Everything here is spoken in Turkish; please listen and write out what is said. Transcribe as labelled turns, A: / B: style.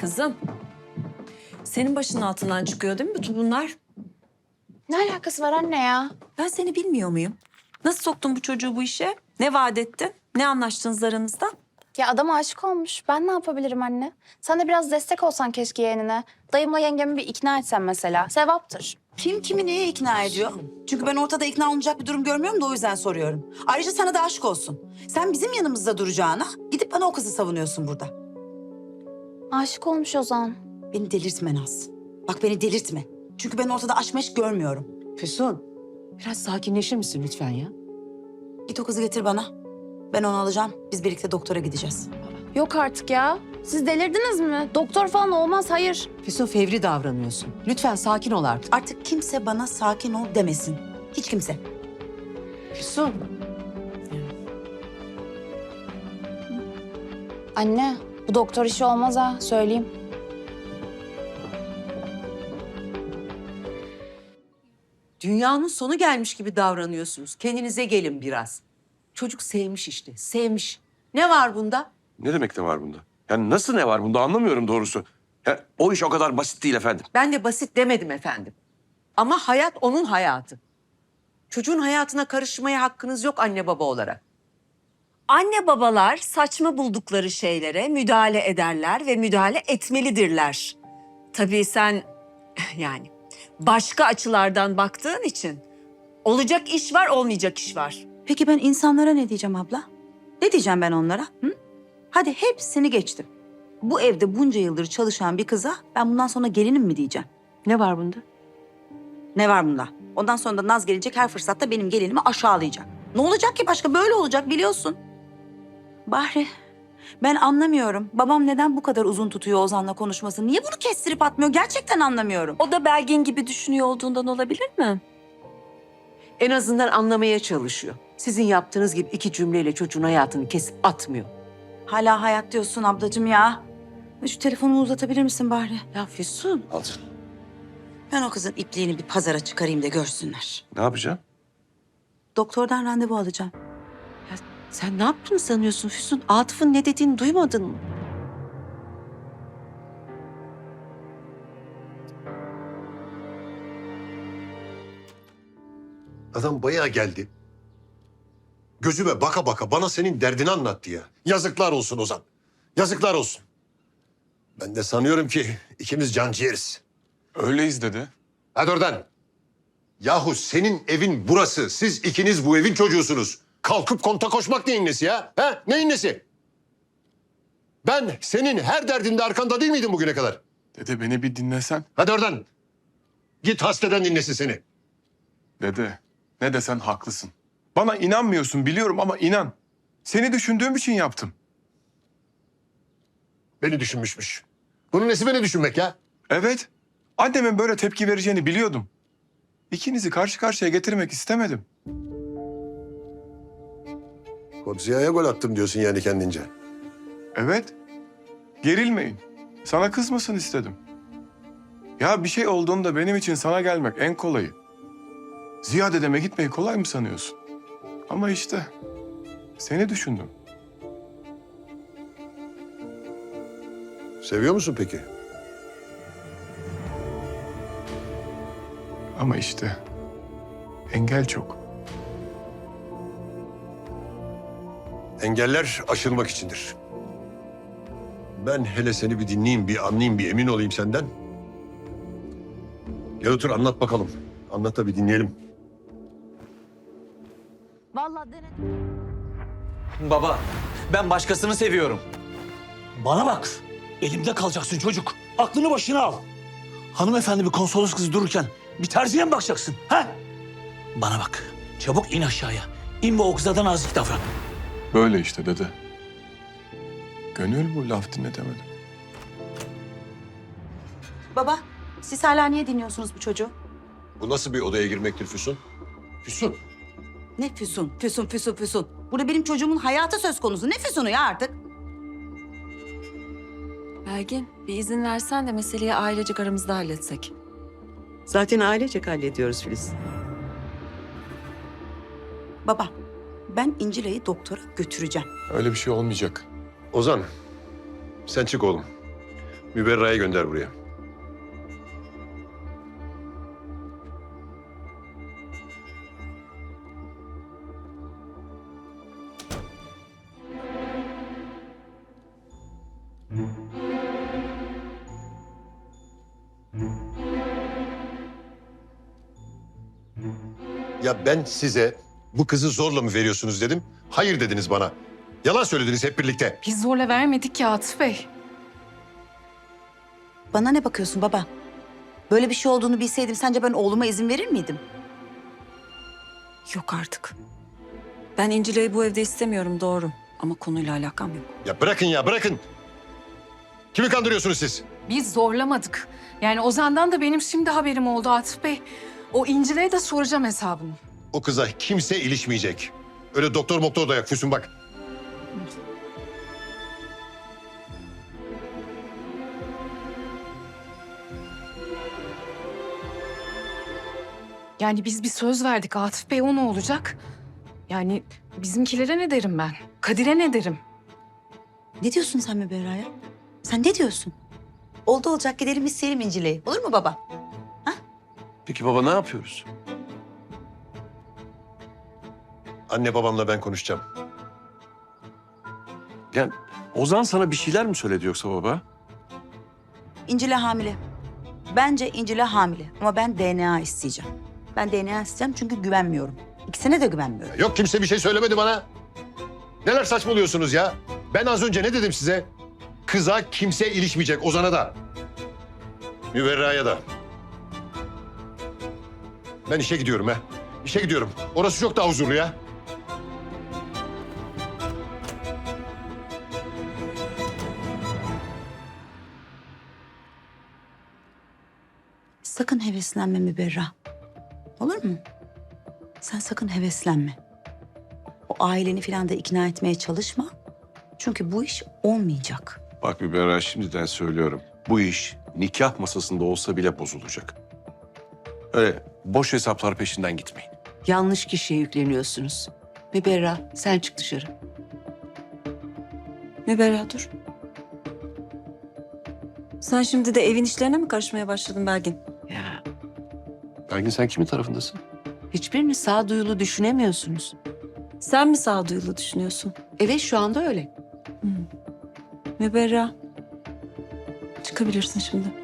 A: Kızım, senin başının altından çıkıyor değil mi bütün bunlar?
B: Ne alakası var anne ya?
A: Ben seni bilmiyor muyum? Nasıl soktun bu çocuğu bu işe? Ne vaat ettin? Ne anlaştınız aranızda?
B: Ya adam aşık olmuş. Ben ne yapabilirim anne? Sen de biraz destek olsan keşke yeğenine. Dayımla yengemi bir ikna etsen mesela. Sevaptır.
C: Kim kimi neye ikna ediyor? Çünkü ben ortada ikna olunacak bir durum görmüyorum da o yüzden soruyorum. Ayrıca sana da aşk olsun. Sen bizim yanımızda duracağına gidip bana o kızı savunuyorsun burada.
B: Aşık olmuş Ozan.
C: Beni delirtme Naz. Bak beni delirtme. Çünkü ben ortada aşk meşk görmüyorum.
D: Füsun, biraz sakinleşir misin lütfen ya?
C: Git o kızı getir bana. Ben onu alacağım. Biz birlikte doktora gideceğiz.
B: Yok artık ya. Siz delirdiniz mi? Doktor falan olmaz, hayır.
D: Füsun fevri davranıyorsun. Lütfen sakin ol artık.
C: Artık kimse bana sakin ol demesin. Hiç kimse.
D: Füsun.
B: Anne, bu doktor işi olmaz ha, söyleyeyim.
D: Dünyanın sonu gelmiş gibi davranıyorsunuz. Kendinize gelin biraz. Çocuk sevmiş işte, sevmiş. Ne var bunda?
E: Ne demek ne var bunda? Yani nasıl ne var bunda anlamıyorum doğrusu. Ya, o iş o kadar basit değil efendim.
D: Ben de basit demedim efendim. Ama hayat onun hayatı. Çocuğun hayatına karışmaya hakkınız yok anne baba olarak.
A: Anne babalar saçma buldukları şeylere müdahale ederler ve müdahale etmelidirler. Tabii sen yani başka açılardan baktığın için olacak iş var, olmayacak iş var.
C: Peki ben insanlara ne diyeceğim abla? Ne diyeceğim ben onlara? Hı? Hadi hepsini geçtim. Bu evde bunca yıldır çalışan bir kıza ben bundan sonra gelinim mi diyeceğim?
D: Ne var bunda?
C: Ne var bunda? Ondan sonra da Naz gelecek her fırsatta benim gelinimi aşağılayacak. Ne olacak ki başka? Böyle olacak biliyorsun. Bahri, ben anlamıyorum. Babam neden bu kadar uzun tutuyor Ozan'la konuşmasını? Niye bunu kestirip atmıyor? Gerçekten anlamıyorum.
A: O da Belgin gibi düşünüyor olduğundan olabilir mi?
D: En azından anlamaya çalışıyor. Sizin yaptığınız gibi iki cümleyle çocuğun hayatını kesip atmıyor.
C: Hala hayat diyorsun ablacığım ya. Şu telefonumu uzatabilir misin Bahri?
D: Ya Füsun.
E: Al sen.
C: Ben o kızın ipliğini bir pazara çıkarayım da görsünler.
E: Ne yapacağım?
C: Doktordan randevu alacağım.
D: Ya sen ne yaptığını sanıyorsun Füsun? Atıf'ın ne dediğini duymadın mı?
F: Adam bayağı geldi. Gözüme baka baka bana senin derdini anlattı ya. Yazıklar olsun Ozan. Yazıklar olsun. Ben de sanıyorum ki ikimiz canciğeriz.
G: Öyleyiz dedi.
F: Hadi oradan. Yahu senin evin burası. Siz ikiniz bu evin çocuğusunuz. Kalkıp konta koşmak neyin nesi ya? Ha? Neyin nesi? Ben senin her derdinde arkanda değil miydim bugüne kadar?
G: Dede beni bir dinlesen.
F: Hadi oradan. Git hastadan dinlesin seni.
G: Dede ne desen haklısın. Bana inanmıyorsun biliyorum ama inan. Seni düşündüğüm için yaptım.
F: Beni düşünmüşmüş. Bunun nesi beni düşünmek ya?
G: Evet. Annemin böyle tepki vereceğini biliyordum. İkinizi karşı karşıya getirmek istemedim.
F: Godzilla'ya gol attım diyorsun yani kendince.
G: Evet. Gerilmeyin. Sana kızmasın istedim. Ya bir şey olduğunda benim için sana gelmek en kolayı. Ziya dedeme gitmeyi kolay mı sanıyorsun? Ama işte seni düşündüm.
F: Seviyor musun peki?
G: Ama işte engel çok.
F: Engeller aşılmak içindir. Ben hele seni bir dinleyeyim, bir anlayayım, bir emin olayım senden. Gel otur anlat bakalım. Anlat da bir dinleyelim.
B: Vallahi denedim.
H: Baba, ben başkasını seviyorum.
I: Bana bak. Elimde kalacaksın çocuk. Aklını başına al. Hanımefendi bir konsolos kızı dururken bir terziye mi bakacaksın? Ha? Bana bak. Çabuk in aşağıya. İn ve o kıza nazik davran.
G: Böyle işte dede. Gönül bu laf dinletemedim.
C: Baba, siz hala niye dinliyorsunuz bu çocuğu?
F: Bu nasıl bir odaya girmektir Füsun? Füsun.
C: Ne Füsun, Füsun, Füsun, Füsun. Burada benim çocuğumun hayatı söz konusu. Ne Füsun'u ya artık?
A: Belgin, bir izin versen de meseleyi ailecek aramızda halletsek.
D: Zaten ailecek hallediyoruz Filiz.
C: Baba, ben İncila'yı doktora götüreceğim.
G: Öyle bir şey olmayacak.
F: Ozan, sen çık oğlum. Müberra'yı gönder buraya. Ya ben size bu kızı zorla mı veriyorsunuz dedim. Hayır dediniz bana. Yalan söylediniz hep birlikte.
J: Biz zorla vermedik ya Atıf Bey.
C: Bana ne bakıyorsun baba? Böyle bir şey olduğunu bilseydim sence ben oğluma izin verir miydim?
A: Yok artık. Ben İncile'yi bu evde istemiyorum doğru. Ama konuyla alakam yok.
F: Ya bırakın ya bırakın. Kimi kandırıyorsunuz siz?
J: Biz zorlamadık. Yani Ozan'dan da benim şimdi haberim oldu Atıf Bey. O İncile'ye de soracağım hesabını.
F: O kıza kimse ilişmeyecek. Öyle doktor da yok Füsun bak.
J: Yani biz bir söz verdik Atıf Bey, o ne olacak? Yani bizimkilere ne derim ben? Kadir'e ne derim?
C: Ne diyorsun sen Müberra'ya? Sen ne diyorsun? Oldu olacak gidelim isteyelim İncile'yi. Olur mu baba?
E: Peki baba ne yapıyoruz?
F: Anne babamla ben konuşacağım.
E: Yani Ozan sana bir şeyler mi söyledi yoksa baba?
C: İncil'e hamile. Bence İncil'e hamile ama ben DNA isteyeceğim. Ben DNA isteyeceğim çünkü güvenmiyorum. İkisine de güvenmiyorum.
F: Yok kimse bir şey söylemedi bana. Neler saçmalıyorsunuz ya? Ben az önce ne dedim size? Kıza kimse ilişmeyecek, Ozan'a da. Müberra'ya da. Ben işe gidiyorum ha. İşe gidiyorum. Orası çok daha huzurlu ya.
C: Sakın heveslenme Müberra. Olur mu? Sen sakın heveslenme. O aileni falan da ikna etmeye çalışma. Çünkü bu iş olmayacak.
E: Bak Müberra şimdiden söylüyorum. Bu iş nikah masasında olsa bile bozulacak. Öyle boş hesaplar peşinden gitmeyin.
D: Yanlış kişiye yükleniyorsunuz. Müberra sen çık dışarı.
A: Müberra dur. Sen şimdi de evin işlerine mi karışmaya başladın Belgin?
D: Ya
E: Belgin sen kimin tarafındasın?
D: hiçbirini sağduyulu düşünemiyorsunuz.
A: Sen mi sağduyulu düşünüyorsun?
D: Evet şu anda öyle.
A: Müberra. Çıkabilirsin şimdi.